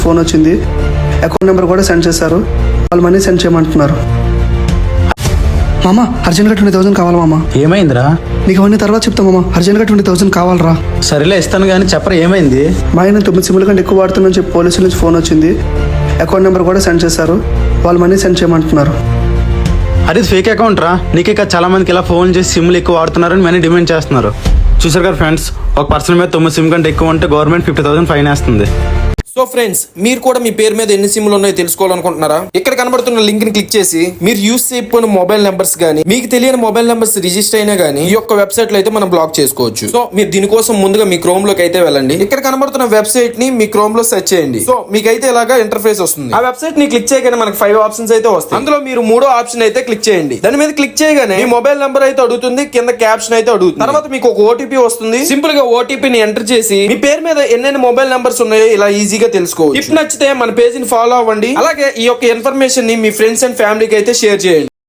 Phone వచ్చింది, account number కూడా send చేశారు. వాళ్ళు మనీ సెండ్ చేయమంటున్నారు. మామ అర్జెంట్గా 20,000 కావాలి మామ. ఏమైందిరా? నీకు అవన్నీ తర్వాత చెప్తా మామ. అర్జెంట్గా 20,000 కావాలరా. సరేలే ఇస్తాను కానీ చెప్పరా ఏమైంది? మా ఆయన 9 సిమ్ల కంటే ఎక్కువ వాడుతున్నా చెప్పి పోలీసుల నుంచి ఫోన్ వచ్చింది, అకౌంట్ నెంబర్ కూడా సెండ్ చేశారు. వాళ్ళు మనీ సెండ్ చేయమంటున్నారు. అది ఫేక్ అకౌంట్ రా. నీకే కాదు చాలా మందికి ఇలా ఫోన్ చేసి సిమ్లు ఎక్కువ వాడుతున్నారని మనీ డిమాండ్ చేస్తున్నారు. చూసారు కదా ఫ్రెండ్స్, ఒక పర్సన్ మీద 9 సిమ్ కంటే ఎక్కువ ఉంటే గవర్నమెంట్ 50,000 ఫైన్ వేస్తుంది. సో ఫ్రెండ్స్, మీరు కూడా మీ పేరు మీద ఎన్ని సిమ్లు ఉన్నాయో తెలుసుకోవాలనుకుంటున్నారా? ఇక్కడ కనబడుతున్న లింక్ ని క్లిక్ చేసి మీరు యూస్ చేయకపోయిన మొబైల్ నెంబర్స్ గానీ, మీకు తెలియని మొబైల్ నెంబర్స్ రిజిస్టర్ అయినా గానీ ఈ యొక్క వెబ్సైట్ లో అయితే మనం బ్లాక్ చేసుకోవచ్చు. సో మీరు దీనికోసం ముందుగా మీ క్రోమ్ లోకి అయితే వెళ్ళండి. ఇక్కడ కనబడుతున్న వెబ్సైట్ ని మీ క్రోమ్ లో సెర్చ్ చేయండి. సో మీకైతే ఇలాగా ఇంటర్ఫేస్ వస్తుంది. ఆ వెబ్సైట్ ని క్లిక్ చేయగానే మనకి 5 ఆప్షన్స్ అయితే వస్తాయి. అందులో మీరు 3వ ఆప్షన్ అయితే క్లిక్ చేయండి. దాని మీద క్లిక్ చేయగానే మీ మొబైల్ నెంబర్ అయితే అడుగుతుంది, కింద క్యాప్షన్ అయితే అడుగుతుంది. తర్వాత మీకు ఒక ఓటీపీ వస్తుంది. సింపుల్ గా ఓటీపీని ఎంటర్ చేసి మీ పేరు మీద ఎన్నెన్ని మొబైల్ నెంబర్స్ ఉన్నాయో ఇలా ఈజీగా తెలుసుకోవచ్చు. నచ్చితే మన పేజ్ ని ఫాలో అవ్వండి. అలాగే ఈ యొక్క ఇన్ఫర్మేషన్ ని మీ ఫ్రెండ్స్ అండ్ ఫ్యామిలీకి అయితే షేర్ చేయండి.